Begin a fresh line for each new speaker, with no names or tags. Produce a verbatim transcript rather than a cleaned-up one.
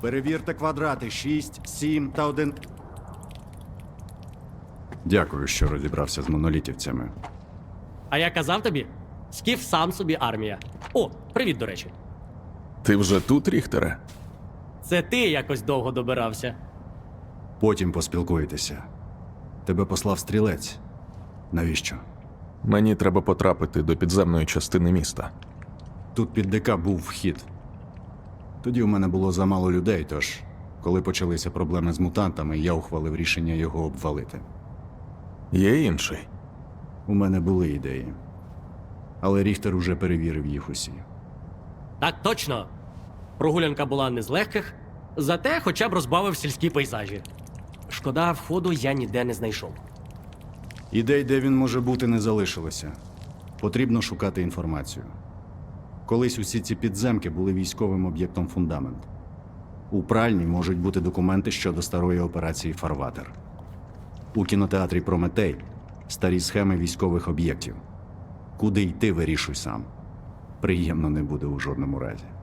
Перевірте квадрати шість, сім та один. Дякую, що розібрався з монолітівцями.
А я казав тобі, Скіф сам собі армія. О, привіт, до речі.
Ти вже тут, Ріхтере?
Це ти якось довго добирався.
Потім поспілкуєтеся. Тебе послав стрілець. Навіщо?
Мені треба потрапити до підземної частини міста.
Тут під ДК був вхід. Тоді у мене було замало людей, тож, коли почалися проблеми з мутантами, я ухвалив рішення його обвалити.
Є інший?
У мене були ідеї. Але Ріхтер уже перевірив їх усі.
Так точно. Прогулянка була не з легких, зате хоча б розбавив сільські пейзажі. Шкода, входу я ніде не знайшов.
Ідей, де він може бути, не залишилося. Потрібно шукати інформацію. Колись усі ці підземки були військовим об'єктом «Фундамент». У пральні можуть бути документи щодо старої операції «Фарватер». У кінотеатрі «Прометей» старі схеми військових об'єктів. Куди йти, вирішуй сам. Приємно не буде у жодному разі.